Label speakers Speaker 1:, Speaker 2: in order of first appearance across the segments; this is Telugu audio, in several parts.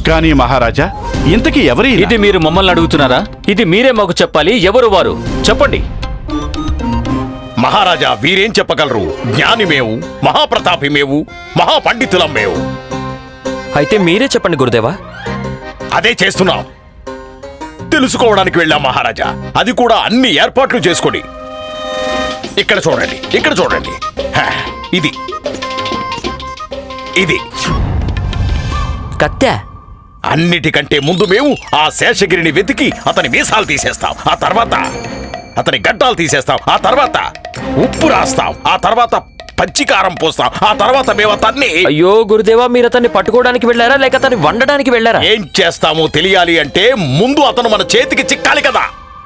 Speaker 1: కానీ మహారాజా, ఇంతకీ ఎవరి?
Speaker 2: ఇది మీరు మమ్మల్ని అడుగుతున్నారా? ఇది మీరే మాకు చెప్పాలి. ఎవరు వారు చెప్పండి.
Speaker 3: మహారాజా, వీరేం చెప్పగలరు? జ్ఞాని మేము, మహాప్రతాపి మేము, మహాపండితులం మేము.
Speaker 4: అయితే మీరే చెప్పండి గురుదేవా.
Speaker 3: అదే చేస్తున్నాం. తెలుసుకోవడానికి వెళ్ళాం మహారాజా. అది కూడా అన్ని ఏర్పాట్లు చేసుకొని. ఇక్కడ చూడండి, ఇక్కడ చూడండి. ఇది ఇది
Speaker 4: కత్తె.
Speaker 3: అన్నిటికంటే ముందు మేము ఆ శేషగిరిని వెతికి అతని మీసాలు తీసేస్తాం. ఆ తర్వాత అతని గడ్డాలు తీసేస్తాం. ఆ తర్వాత ఉప్పు రాస్తాం. ఆ తర్వాత పచ్చికారం పోస్తాం. ఆ తర్వాత మేము అతన్ని...
Speaker 4: అయ్యో గురుదేవా, మీరు అతన్ని పట్టుకోవడానికి వెళ్ళారా లేక అతన్ని వండడానికి వెళ్ళారా?
Speaker 3: ఏం చేస్తామో తెలియాలి అంటే ముందు అతను మన చేతికి చిక్కాలి కదా.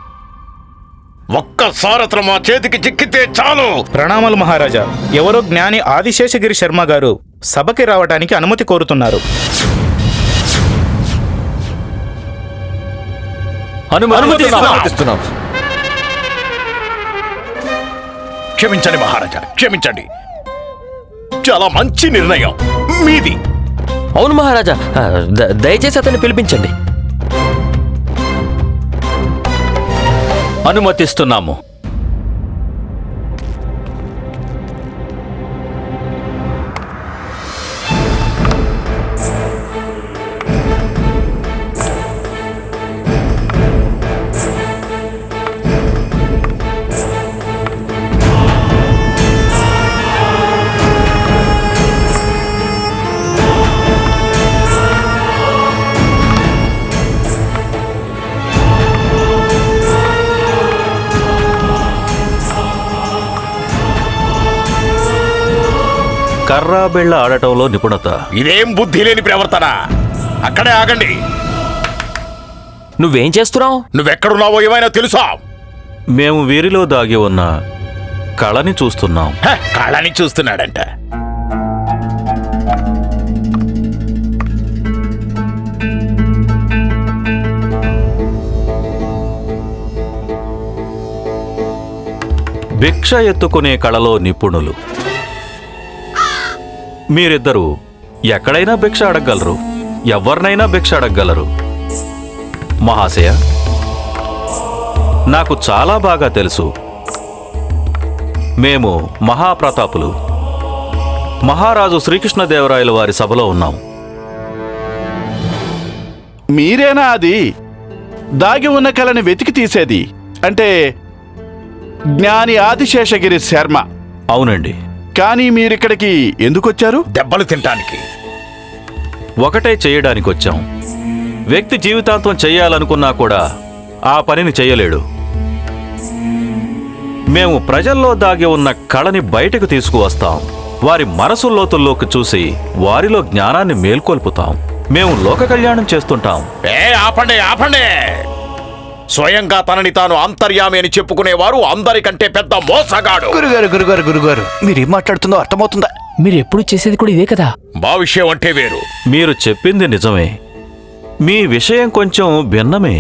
Speaker 3: ఒక్కసారి అతను మా చేతికి చిక్కితే చాలు.
Speaker 5: ప్రణామాలు మహారాజా. ఎవరో జ్ఞాని ఆదిశేషగిరి శర్మ గారు సభకి రావడానికి అనుమతి కోరుతున్నారు.
Speaker 4: అనుమతిస్తున్నాం.
Speaker 3: క్షమించండి మహారాజా, క్షమించండి. చాలా మంచి నిర్ణయం మీది.
Speaker 4: అవును మహారాజా, దయచేసి అతన్ని పిలిపించండి.
Speaker 2: అనుమతిస్తున్నాము.
Speaker 6: కర్రా బిళ్ళ ఆడటంలో నిపుణత.
Speaker 3: ఇదేం బుద్ధి లేని ప్రవర్తన. అక్కడే ఆగండి.
Speaker 4: నువ్వేం చేస్తున్నావు?
Speaker 3: నువ్వెక్కడున్నావో ఏమైనా తెలుసా?
Speaker 6: మేము వీరిలో దాగి ఉన్న కళని చూస్తున్నాం.
Speaker 3: కళని చూస్తున్నాడంట.
Speaker 6: భిక్ష ఎత్తుకునే కళలో నిపుణులు. మీరిద్దరూ ఎక్కడైనా భిక్ష అడగగలరు, ఎవరినైనా భిక్ష అడగగలరు. మహాశయ, నాకు చాలా బాగా తెలుసు. మేము మహాప్రతాపులు మహారాజు శ్రీకృష్ణదేవరాయల వారి సభలో ఉన్నాం.
Speaker 1: మీరేనా అది దాగి ఉన్న కళని వెతికి తీసేది? అంటే జ్ఞాని ఆదిశేషగిరి శర్మ?
Speaker 6: అవునండి.
Speaker 1: కానీ మీరిక్కడికి ఎందుకొచ్చారు?
Speaker 3: దెబ్బలు తినటానికి.
Speaker 6: ఒకటే చేయడానికొచ్చాం. వ్యక్తి జీవితాంతం చెయ్యాలనుకున్నా కూడా ఆ పనిని చెయ్యలేడు. మేము ప్రజల్లో దాగి ఉన్న కళని బయటకు తీసుకువస్తాం. వారి మనసు లోతుల్లోకి చూసి వారిలో జ్ఞానాన్ని మేల్కొల్పుతాం. మేము లోక కళ్యాణం చేస్తుంటాం.
Speaker 3: ఆపండి, ఆపండి. స్వయంగా తనని తాను అంతర్యామి అని చెప్పుకునేవారు అందరికంటే పెద్ద మోసగాడు.
Speaker 7: గురుగారు మీరేం మాట్లాడుతుందో అర్థమవుతుందా?
Speaker 8: మీరు ఎప్పుడు చేసేది కూడా ఇదే కదా.
Speaker 3: మా విషయం అంటే వేరు.
Speaker 6: మీరు చెప్పింది నిజమే. మీ విషయం కొంచెం భిన్నమే.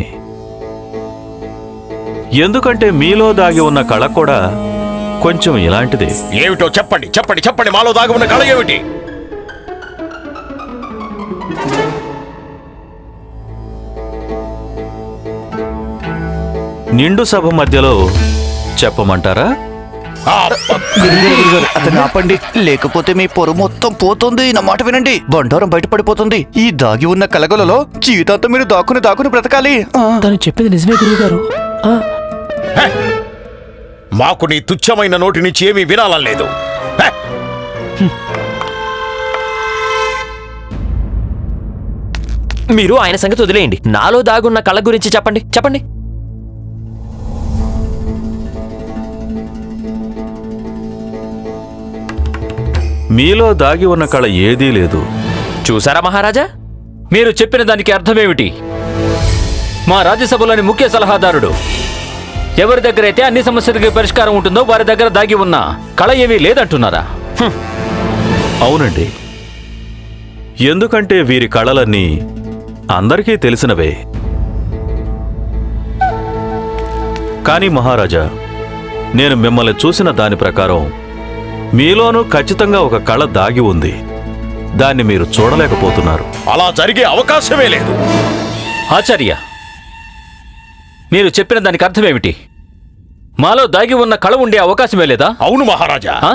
Speaker 6: ఎందుకంటే మీలో దాగి ఉన్న కళ కూడా కొంచెం ఇలాంటిదే.
Speaker 3: ఏమిటో చెప్పండి, చెప్పండి, చెప్పండి. మాలో దాగి ఉన్న కళ ఏమిటి?
Speaker 6: నిండు సభ మధ్యలో చెప్పమంటారా?
Speaker 7: అతన్ని ఆపండి, లేకపోతే మీ పొరు మొత్తం పోతుంది. నా మాట వినండి, బండారం బయటపడిపోతుంది. ఈ దాగి ఉన్న కలగలలో జీవితాంతం మీరు దాక్కుని బ్రతకాలి.
Speaker 8: తను చెప్పింది నిజమే గురువుగారు.
Speaker 3: మాకు నీ తుచ్చమైన నోటి నుంచి ఏమీ వినాలని లేదు.
Speaker 4: మీరు ఆయన సంగతి వదిలేయండి. నాలో దాగున్న కళ గురించి చెప్పండి. చెప్పండి.
Speaker 6: మీలో దాగి ఉన్న కళ ఏదీ లేదు.
Speaker 4: చూసారా మహారాజా?
Speaker 2: మీరు చెప్పిన దానికి అర్థమేమిటి? మా రాజ్యసభలోని ముఖ్య సలహాదారుడు ఎవరి దగ్గరైతే అన్ని సమస్యలకి పరిష్కారం ఉంటుందో వారి దగ్గర దాగి ఉన్న కళ ఏమీ లేదంటున్నారా?
Speaker 6: అవునండి. ఎందుకంటే వీరి కళలన్నీ అందరికీ తెలిసినవే. కానీ మహారాజా, నేను మిమ్మల్ని చూసిన దాని ప్రకారం మీలోనూ ఖచ్చితంగా ఒక కళ దాగి ఉంది. దాన్ని మీరు చూడలేకపోతున్నారు.
Speaker 3: అలా జరిగే అవకాశమే లేదు.
Speaker 2: ఆచార్య, మీరు చెప్పిన దానికి అర్థమేమిటి? మాలో దాగి ఉన్న కళ ఉండే అవకాశమే లేదా?
Speaker 3: అవును మహారాజా.
Speaker 2: ఆ?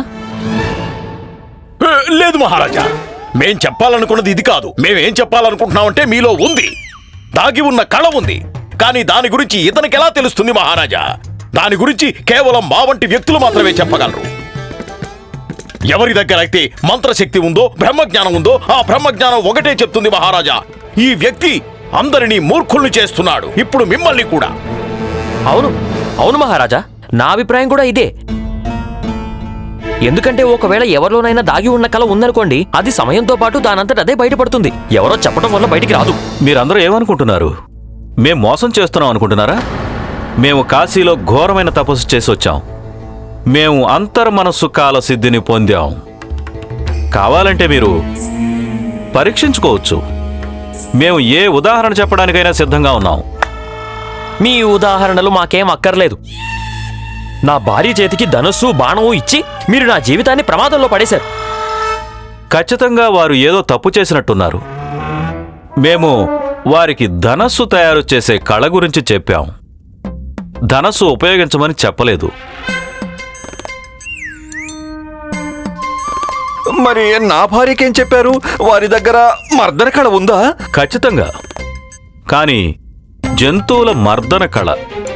Speaker 3: లేదు మహారాజా, మేం చెప్పాలనుకున్నది ఇది కాదు. మేమేం చెప్పాలనుకుంటున్నామంటే మీలో ఉంది, దాగి ఉన్న కళ ఉంది. కానీ దాని గురించి ఇతనికి ఎలా తెలుస్తుంది మహారాజా? దాని గురించి కేవలం మా వంటి వ్యక్తులు మాత్రమే చెప్పగలరు. ఎవరి దగ్గర అయితే మంత్రశక్తి ఉందో, బ్రహ్మజ్ఞానం ఉందో, ఆ బ్రహ్మజ్ఞానం ఒకటే చెప్తుంది మహారాజా, ఈ వ్యక్తి అందరినీ మూర్ఖుల్ని చేస్తున్నాడు, ఇప్పుడు మిమ్మల్ని కూడా.
Speaker 4: అవును అవును మహారాజా, నా అభిప్రాయం కూడా ఇదే. ఎందుకంటే ఒకవేళ ఎవరిలోనైనా దాగి ఉన్న కళ ఉందనుకోండి, అది సమయంతో పాటు దానంతట అదే బయటపడుతుంది. ఎవరో చెప్పడం వల్ల బయటికి రాదు.
Speaker 6: మీరందరూ ఏమనుకుంటున్నారు? మేం మోసం చేస్తున్నాం అనుకుంటున్నారా? మేము కాశీలో ఘోరమైన తపస్సు చేసి వచ్చాం. మేము అంతర్మనస్సు కాల సిద్ధిని పొందాం. కావాలంటే మీరు పరీక్షించుకోవచ్చు. మేము ఏ ఉదాహరణ చెప్పడానికైనా సిద్ధంగా ఉన్నాం.
Speaker 4: మీ ఉదాహరణలు మాకేం అక్కర్లేదు. నా భార్య చేతికి ధనుస్సు బాణము ఇచ్చి మీరు నా జీవితాన్ని ప్రమాదంలో పడేశారు.
Speaker 6: ఖచ్చితంగా వారు ఏదో తప్పు చేసినట్టున్నారు. మేము వారికి ధనస్సు తయారు చేసే కళ గురించి చెప్పాం, ధనస్సు ఉపయోగించమని చెప్పలేదు.
Speaker 7: మరి నా భార్యకేం చెప్పారు? వారి దగ్గర మర్దన కళ ఉందా?
Speaker 6: ఖచ్చితంగా, కానీ జంతువుల మర్దన కళ,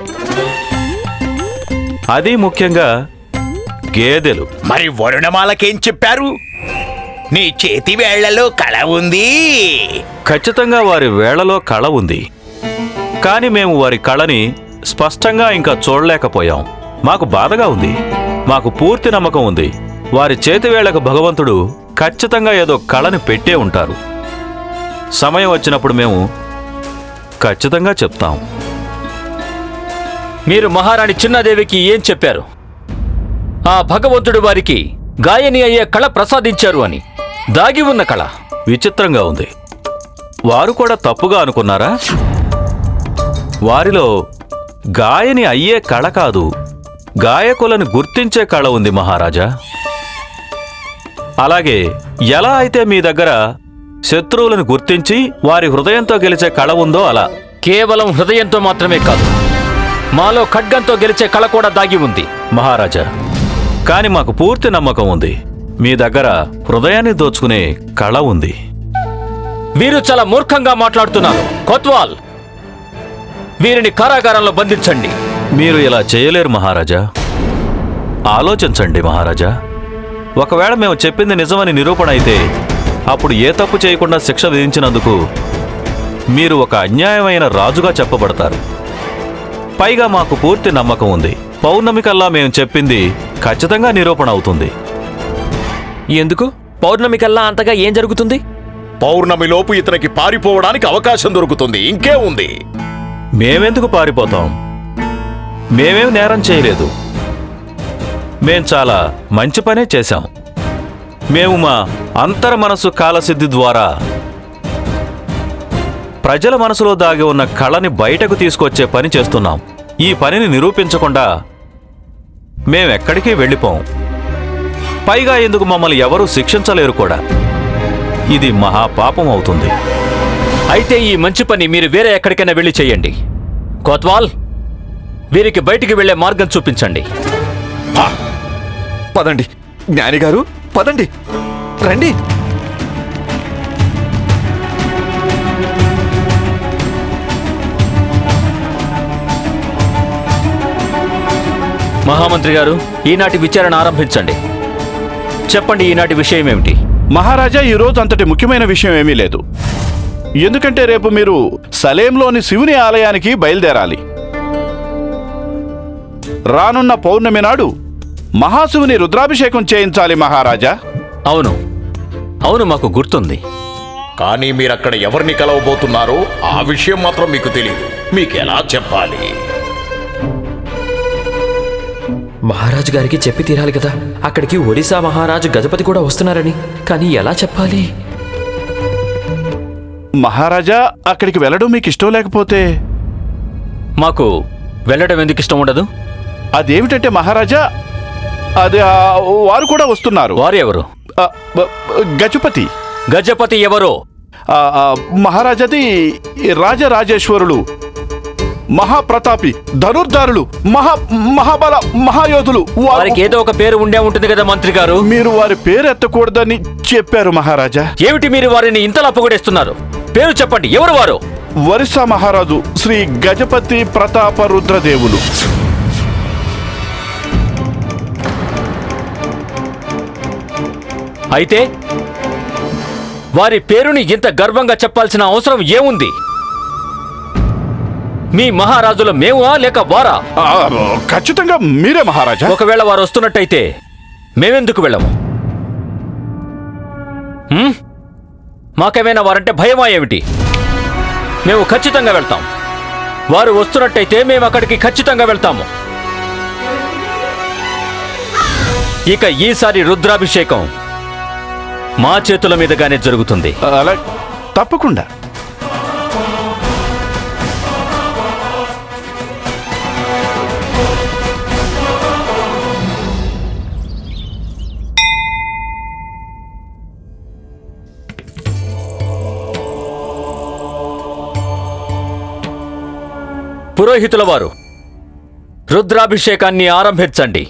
Speaker 6: అది ముఖ్యంగా గేదెలు.
Speaker 3: మరి వరుణమాలకేం చెప్పారు? నీ చేతి వేళ్లలో కళ ఉంది.
Speaker 6: ఖచ్చితంగా వారి వేళలో కళ ఉంది, కానీ మేము వారి కళని స్పష్టంగా ఇంకా చూడలేకపోయాం. మాకు బాధగా ఉంది. మాకు పూర్తి నమ్మకం ఉంది, వారి చేతివేళ్లకు భగవంతుడు ఖచ్చితంగా ఏదో కళని పెట్టే ఉంటారు. సమయం వచ్చినప్పుడు మేము ఖచ్చితంగా చెప్తాం.
Speaker 2: మీరు మహారాణి చిన్నాదేవికి ఏం చెప్పారు? ఆ భగవంతుడు వారికి గాయని అయ్యే కళ ప్రసాదించారు అని. దాగి ఉన్న కళ
Speaker 6: విచిత్రంగా ఉంది. వారు కూడా తప్పుగా అనుకున్నారా? వారిలో గాయని అయ్యే కళ కాదు, గాయకులను గుర్తించే కళ ఉంది మహారాజా. అలాగే ఎలా అయితే మీ దగ్గర శత్రువులను గుర్తించి వారి హృదయంతో గెలిచే కళ ఉందో అలా.
Speaker 2: కేవలం హృదయంతో మాత్రమే కాదు, మాలో ఖడ్గంతో గెలిచే కళ కూడా దాగి ఉంది
Speaker 6: మహారాజా. కాని మాకు పూర్తి నమ్మకం ఉంది, మీ దగ్గర హృదయాన్ని దోచుకునే కళ ఉంది.
Speaker 2: వీరు చాలా మూర్ఖంగా మాట్లాడుతున్నారు. కొత్వాల్, వీరిని కారాగారంలో బంధించండి.
Speaker 6: మీరు ఇలా చేయలేరు మహారాజా. ఆలోచించండి మహారాజా. ఒకవేళ మేము చెప్పింది నిజమని నిరూపణ అయితే అప్పుడు ఏ తప్పు చేయకుండా శిక్ష విధించినందుకు మీరు ఒక అన్యాయమైన రాజుగా చెప్పబడతారు. పైగా మాకు పూర్తి నమ్మకం ఉంది, పౌర్ణమి కల్లా మేము చెప్పింది ఖచ్చితంగా నిరూపణ అవుతుంది.
Speaker 4: ఎందుకు? పౌర్ణమి కల్లా అంతగా ఏం జరుగుతుంది?
Speaker 3: పౌర్ణమిలోపు ఇతనికి పారిపోవడానికి అవకాశం దొరుకుతుంది. ఇంకే ఉంది?
Speaker 6: మేమెందుకు పారిపోతాం? మేమేం నేరం చేయలేదు. మేం చాలా మంచి పనే చేశాం. మేము మా అంతర్మనస్సు కాలసిద్ధి ద్వారా ప్రజల మనసులో దాగి ఉన్న కళని బయటకు తీసుకొచ్చే పని చేస్తున్నాం. ఈ పనిని నిరూపించకుండా మేమెక్కడికి వెళ్ళిపోం. పైగా ఎందుకు మమ్మల్ని ఎవరూ శిక్షించలేరు కూడా. ఇది మహాపాపం అవుతుంది.
Speaker 2: అయితే ఈ మంచి పని మీరు వేరే ఎక్కడికైనా వెళ్ళి చేయండి. కొత్వాల్, వీరికి బయటికి వెళ్లే మార్గం చూపించండి.
Speaker 7: పదండి జ్ఞానిగారు, పదండి, రండి.
Speaker 2: మహామంత్రి గారు, ఈనాటి విచారణ ఆరంభించండి. చెప్పండి, ఈనాటి విషయం ఏమిటి?
Speaker 1: మహారాజా, ఈరోజు అంతటి ముఖ్యమైన విషయం ఏమీ లేదు. ఎందుకంటే రేపు మీరు సలేంలోని శివుని ఆలయానికి బయలుదేరాలి. రానున్న పౌర్ణమి నాడు మహాశివుని రుద్రాభిషేకం చేయించాలి మహారాజా.
Speaker 2: అవును అవును, మాకు గుర్తుంది.
Speaker 3: కానీ మీరక్కడ ఎవరిని కలవబోతున్నారో ఆ విషయం మాత్రం మీకు తెలియదు. మీకెలా చెప్పాలి?
Speaker 4: మహారాజు గారికి చెప్పి తీరాలి కదా. అక్కడికి ఒడిశా మహారాజు గజపతి కూడా వస్తున్నారని. కానీ ఎలా చెప్పాలి?
Speaker 1: మహారాజా, అక్కడికి వెళ్ళడం మీకు ఇష్టం లేకపోతే
Speaker 2: మాకు వెళ్ళడం ఎందుకు ఇష్టం ఉండదు?
Speaker 1: అదేమిటంటే మహారాజా, అది వారు కూడా వస్తున్నారు.
Speaker 2: వారు ఎవరు?
Speaker 1: గజపతి.
Speaker 2: గజపతి ఎవరో?
Speaker 1: మహారాజాది రాజరాజేశ్వరులు, మహాప్రతాపి, ధనుర్ధారులు, మహాబల మహాయోధులు.
Speaker 2: వారికి ఏదో ఒక పేరు ఉండే ఉంటుంది కదా మంత్రి గారు.
Speaker 1: మీరు వారి పేరు ఎత్తకూడదని చెప్పారు మహారాజా.
Speaker 2: ఏమిటి మీరు వారిని ఇంతలా పొగడేస్తున్నారు? పేరు చెప్పండి, ఎవరు వారు?
Speaker 1: ఒరిస్సా మహారాజు శ్రీ గజపతి ప్రతాప రుద్రదేవులు.
Speaker 2: అయితే వారి పేరుని ఇంత గర్వంగా చెప్పాల్సిన అవసరం ఏముంది? మీ మహారాజుల మేమా లేక వారా?
Speaker 1: ఖచ్చితంగా మీరే మహారాజా.
Speaker 2: ఒకవేళ వారు వస్తున్నట్టయితే మేమెందుకు వెళ్ళము? మాకేమైనా వారంటే భయమా ఏమిటి? మేము ఖచ్చితంగా వెళ్తాం. వారు వస్తున్నట్టయితే మేము అక్కడికి ఖచ్చితంగా వెళ్తాము. ఇక ఈసారి రుద్రాభిషేకం మా చేతుల మీదుగానే జరుగుతుంది.
Speaker 1: అలా తప్పకుండా.
Speaker 2: పురోహితుల వారు, రుద్రాభిషేకాన్ని ఆరంభించండి.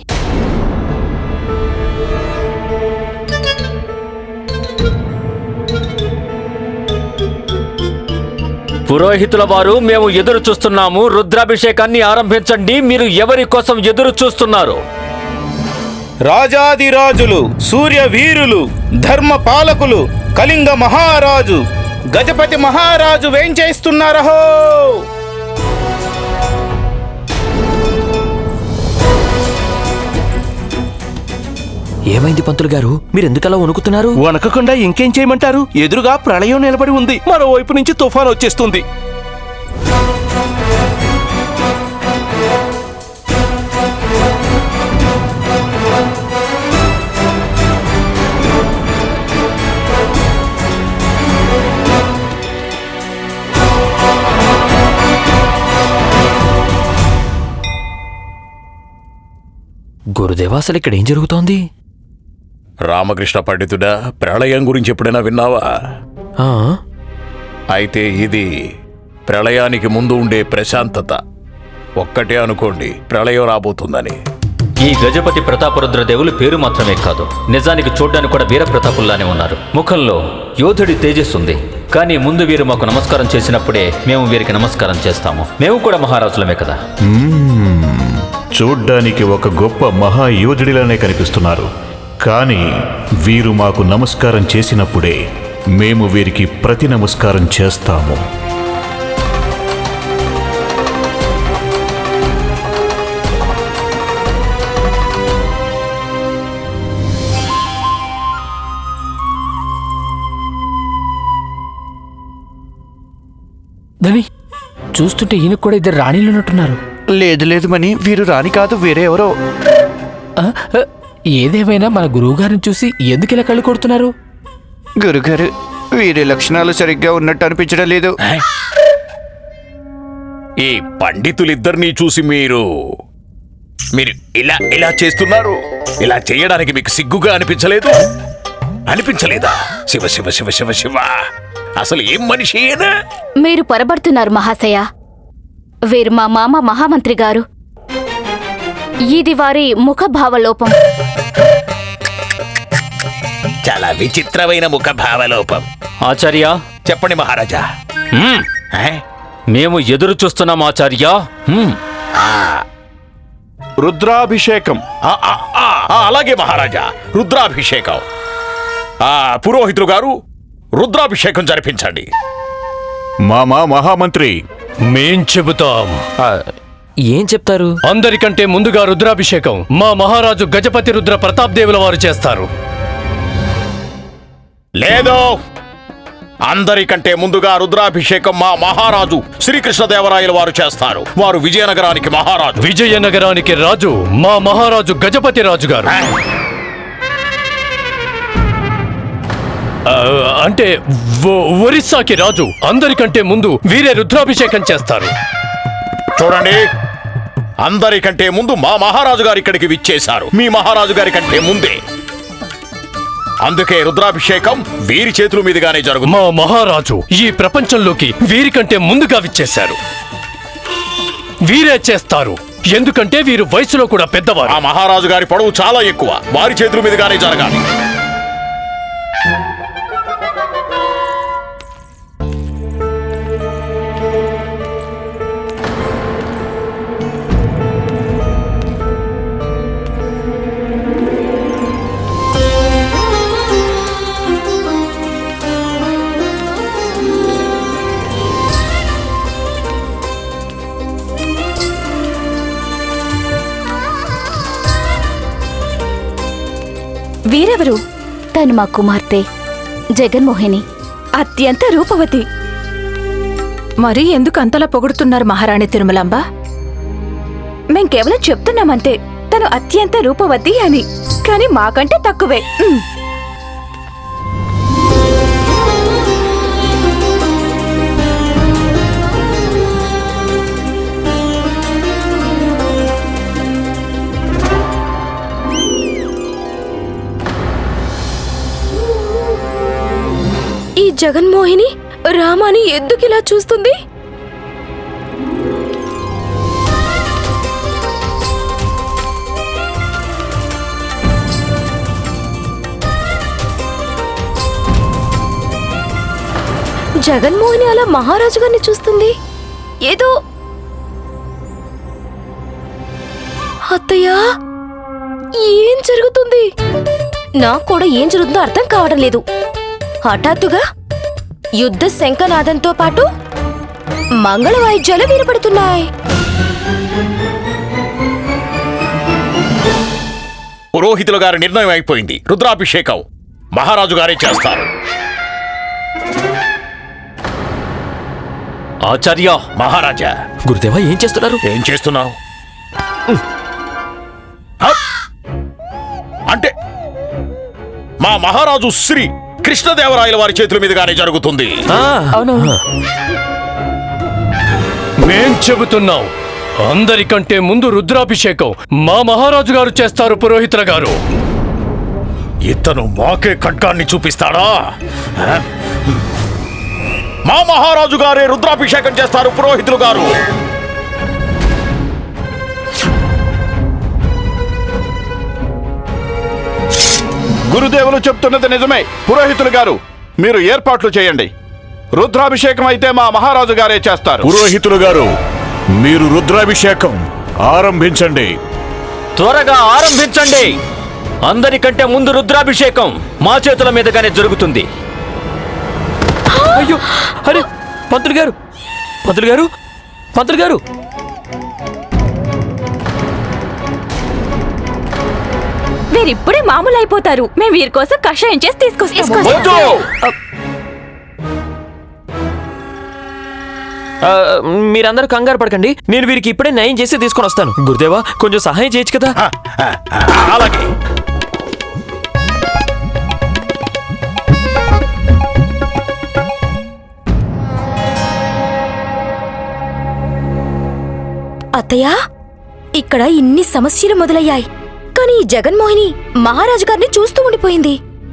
Speaker 2: పురోహితుల వారు, మేము ఎదురు చూస్తున్నాము. రుద్రాభిషేకాన్ని ఆరంభించండి. మీరు ఎవరి కోసం ఎదురు చూస్తున్నారు?
Speaker 5: రాజాదిరాజులు, సూర్య వీరులు, ధర్మ పాలకులు, కళింగ మహారాజు గజపతి మహారాజు వేంచేస్తున్నారహో.
Speaker 4: ఏమైంది పంతులు గారు, మీరెందుకలా వణుకుతున్నారు?
Speaker 9: వణకకుండా ఇంకేం చేయమంటారు? ఎదురుగా ప్రళయం నిలబడి ఉంది, మరోవైపు నుంచి తుఫాన్ వచ్చేస్తుంది.
Speaker 4: గురుదేవా, అసలు ఇక్కడ ఏం జరుగుతోంది?
Speaker 3: రామకృష్ణ పండితుడా, ప్రళయం గురించి ఎప్పుడైనా విన్నావా?
Speaker 4: ఆ?
Speaker 3: అయితే ఇది ప్రళయానికి ముందు ఉండే ప్రశాంతత. ఒక్కటే అనుకోండి, ప్రళయం రాబోతుందని.
Speaker 2: ఈ గజపతి ప్రతాపరుద్రదేవులు పేరు మాత్రమే కాదు, నిజానికి చూడ్డానికి కూడా వీర ప్రతాపుల్లానే ఉన్నారు. ముఖంలో యోధుడి తేజస్సుంది. కానీ ముందు వీరు మాకు నమస్కారం చేసినప్పుడే మేము వీరికి నమస్కారం చేస్తాము. మేము కూడా మహారాజులమే కదా.
Speaker 10: చూడ్డానికి ఒక గొప్ప మహాయోధుడిలానే కనిపిస్తున్నారు. కానీ వీరు మాకు నమస్కారం చేసినప్పుడే మేము వీరికి ప్రతి నమస్కారం చేస్తాము.
Speaker 8: ధని, చూస్తుంటే ఈయనకు కూడా ఇద్దరు రాణీలు ఉన్నట్టున్నారు.
Speaker 7: లేదు లేదు మని, వీరు రాని కాదు, వేరే ఎవరో.
Speaker 8: ఏదేమైనా మన గురువుగారిని చూసి ఎందుకు ఇలా కళ్ళు కొడుతున్నారు?
Speaker 7: గురుగారు, వీరి లక్షణాలు సరిగ్గా ఉన్నట్టు అనిపించడం లేదు.
Speaker 3: ఈ పండితులిద్దరినీ చూసి మీరు ఇలా ఇలా చేస్తున్నారు. ఇలా చేయడానికి మీకు సిగ్గుగా అనిపించలేదా? శివ శివ శివ శివ శివ, అసలు ఏం మనిషి అయినా?
Speaker 11: మీరు పొరబడుతున్నారు మహాశయ. వీరు మా మామ మహామంత్రి గారు. ఇది వారి ముఖభావలోపం.
Speaker 3: చాలా విచిత్రమైన ముఖభావలోపం.
Speaker 2: ఆచార్య,
Speaker 3: చెప్పండి మహారాజా.
Speaker 2: మేము ఎదురు చూస్తున్నాం ఆచార్య.
Speaker 1: రుద్రాభిషేకం.
Speaker 3: అలాగే మహారాజా, రుద్రాభిషేకం. పురోహితులు గారు, రుద్రాభిషేకం జరిపించండి.
Speaker 10: మామా మహామంత్రి,
Speaker 9: మేం చెబుతాం.
Speaker 4: ఏం చెప్తారు?
Speaker 9: అందరికంటే ముందుగా రుద్రాభిషేకం మా మహారాజు గజపతి రుద్ర ప్రతాప్ దేవుల వారు చేస్తారు.
Speaker 3: లేదు, అందరికంటే ముందుగా రుద్రాభిషేకం మా మహారాజు శ్రీకృష్ణదేవరాయల వారు చేస్తారు. వారు విజయనగరానికి మహారాజు.
Speaker 9: విజయనగరానికి రాజు మా మహారాజు గజపతి రాజు గారు. అంటే ఒరిస్సాకి రాజు. అందరికంటే ముందు వీరే రుద్రాభిషేకం చేస్తారు.
Speaker 3: చూడండి, అందరికంటే ముందు మా మహారాజు గారు ఇక్కడికి విచ్చేశారు. మీ మహారాజు గారి కంటే ముందే. అందుకే రుద్రాభిషేకం వీరి చేతుల మీదుగానే జరుగుతుంది.
Speaker 9: మా మహారాజు ఈ ప్రపంచంలోకి వీరికంటే ముందుగా విచ్చేశారు. వీరే చేస్తారు, ఎందుకంటే వీరు వయసులో కూడా పెద్దవారు.
Speaker 3: ఆ మహారాజు గారి పొడవు చాలా ఎక్కువ, వారి చేతుల మీదుగానే జరగాలి.
Speaker 11: వీరెవరు? తను మా కుమార్తె జగన్మోహిని, అత్యంత రూపవతి.
Speaker 12: మరి ఎందుకు అంతలా పొగుడుతున్నారు మహారాణి తిరుమలాంబ?
Speaker 11: మేం కేవలం చెప్తున్నామంతే, తను అత్యంత రూపవతి అని. కానీ మాకంటే తక్కువే. ఈ జగన్మోహిని రామాని ఎందుకిలా చూస్తుంది? జగన్మోహిని అలా మహారాజు గారిని చూస్తుంది. ఏదో అత్తయ్యా, ఏం జరుగుతుంది? నాకు కూడా ఏం జరుగుతుందో అర్థం కావడం లేదు. హఠాత్తుగా యుద్ధ శంఖనాదంతో పాటు మంగళ వాయిద్యాలు వినపడుతున్నాయి.
Speaker 3: పురోహితుల గారి నిర్ణయం అయిపోయింది. రుద్రాభిషేకం మహారాజు గారే చేస్తారు.
Speaker 4: ఆచార్య,
Speaker 3: మహారాజా.
Speaker 4: గురుదేవా ఏం చేస్తున్నారు?
Speaker 3: ఏం చేస్తున్నావు? అంటే మా మహారాజు శ్రీ కృష్ణదేవరాయల వారి చేతుల మీదుగానే జరుగుతుంది.
Speaker 9: మేం చెబుతున్నాం, అందరికంటే ముందు రుద్రాభిషేకం మా మహారాజు గారు చేస్తారు. పురోహితుల గారు,
Speaker 3: ఇతను మాకే ఖడ్గాన్ని చూపిస్తాడా? మా మహారాజు గారే రుద్రాభిషేకం చేస్తారు. పురోహితులు గారు,
Speaker 1: గురుదేవులు చెప్తున్నది నిజమే. పురోహితులు గారు, మీరు ఏర్పాట్లు చేయండి. రుద్రాభిషేకం అయితే మా మహారాజు గారే చేస్తారు.
Speaker 10: పురోహితులు గారు, మీరు రుద్రాభిషేకం ఆరంభించండి.
Speaker 2: త్వరగా ఆరంభించండి. అందరికంటే ముందు రుద్రాభిషేకం మా చేతుల మీదుగానే జరుగుతుంది.
Speaker 4: అయ్యో, అరే పంతులు గారు, పంతులు గారు, పంతులు గారు.
Speaker 11: వీరిప్పుడే మామూలు అయిపోతారు. మేము వీరి కోసం కషాయం చేసి తీసుకొస్తాం.
Speaker 4: మీరందరూ కంగారు పడకండి, నేను వీరికి ఇప్పుడే న్యాయం చేసి తీసుకొని వస్తాను. గురుదేవా, కొంచెం సహాయం చేయొచ్చు కదా?
Speaker 3: అలాగే.
Speaker 11: అత్తయ్య, ఇక్కడ ఇన్ని సమస్యలు మొదలయ్యాయి, కానీ ఈ జగన్మోహిని మహారాజు గారిని చూస్తూ ఉండిపోయింది.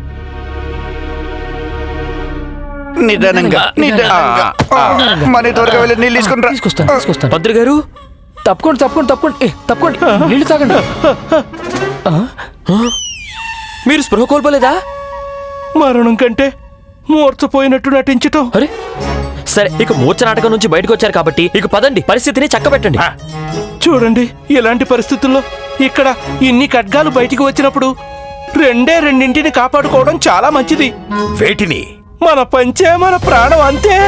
Speaker 7: నిదానంగా మన త్వరగా వెళ్ళి నీళ్ళు
Speaker 8: తీసుకొస్తాను.
Speaker 4: పంతులు గారు,
Speaker 8: తప్పకుండా తప్పకుండా తప్పకుండా తప్పకుండా నీళ్ళు తాగండి.
Speaker 4: మీరు స్పృహ కోల్పోలేదా?
Speaker 5: మరణం కంటే మూర్చపోయినట్టు నటించటం.
Speaker 4: అరే సరే, ఇక మూర్ఛ నాటకం నుంచి బయటకు వచ్చారు కాబట్టి ఇక పదండి, పరిస్థితిని చక్కబెట్టండి.
Speaker 5: చూడండి, ఇలాంటి పరిస్థితుల్లో ఇక్కడ ఇన్ని ఖడ్గాలు బయటికి వచ్చినప్పుడు రెండింటిని కాపాడుకోవడం చాలా మంచిది.
Speaker 3: వేటిని?
Speaker 5: మన పంచే మన ప్రాణం, అంతే.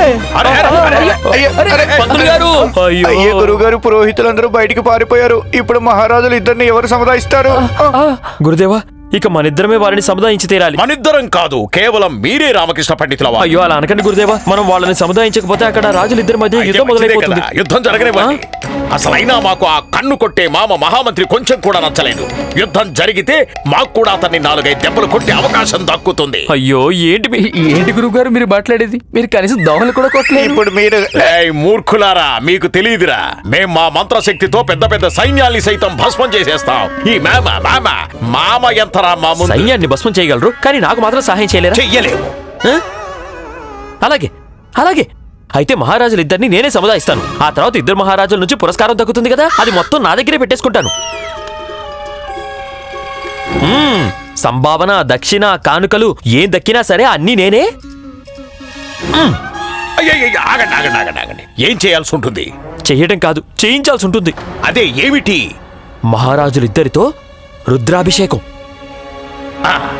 Speaker 4: పంతులు గారు,
Speaker 7: అయ్యే గురువు గారు, పురోహితులందరూ బయటికి పారిపోయారు. ఇప్పుడు మహారాజులు ఇద్దరిని ఎవరు సముదాయిస్తారు?
Speaker 4: గురుదేవా, ఇక మనిద్దరమే వారిని సముదాయించి తీరాలి.
Speaker 3: మనిద్దరం కాదు, కేవలం మీరే రామకృష్ణ పండితుల వారు.
Speaker 4: అయ్యో, అలా అనకండి గురుదేవా. మనం వాళ్ళని సముదాయించకపోతే అక్కడ రాజులిద్దరి మధ్య
Speaker 3: అయితే
Speaker 4: యుద్ధం
Speaker 3: మంచిదే
Speaker 4: మొదలైపోతుంది.
Speaker 3: కదా, యుద్ధం జరగనివ్వండి. అసలైనా మాకు ఆ కన్ను కొట్టే మామ మహామంత్రి కొంచెం కూడా నచ్చలేదు. యుద్ధం జరిగితే మాకు కూడా అతన్ని 4-5 దెబ్బలు కొట్టే అవకాశం దక్కుతుంది.
Speaker 4: అయ్యో,
Speaker 8: ఏంటి గురువు గారు మీరు మాట్లాడేది? మీరు కనీసం దోమలు కూడా కొట్టలేదు.
Speaker 7: ఇప్పుడు మీరు
Speaker 3: ఏయ్ మూర్ఖులారా, మీకు తెలియదురా, మేం మా మంత్రశక్తితో పెద్ద పెద్ద సైన్యాల్ని సైతం భస్మం చేసేస్తాం. ఈ మామ ఎంత చేస్తారా మా ముందు?
Speaker 4: సైన్యాన్ని భస్మం చేయగలరు కానీ నాకు మాత్రం సహాయం చేయలేరా?
Speaker 3: చెయ్యలేము.
Speaker 4: ఆ? అలాగే అలాగే అయితే మహారాజులిద్దరిని నేనే సముదాయిస్తాను. ఆ తర్వాత ఇద్దరు మహారాజుల నుంచి పురస్కారం దక్కుతుంది కదా, అది మొత్తం నా దగ్గరే పెట్టేసుకుంటాను. సంభావన, దక్షిణ, కానుకలు ఏం దక్కినా సరే అన్నీ నేనే.
Speaker 3: అయ్యయ్య, ఆగండి ఆగండి ఆగండి ఆగండి. ఏం చేయాల్సి ఉంటుంది?
Speaker 4: చెయ్యడం కాదు, చేయించాల్సి ఉంటుంది.
Speaker 3: అదే ఏమిటి?
Speaker 4: మహారాజులిద్దరితో రుద్రాభిషేకం.
Speaker 3: ఆ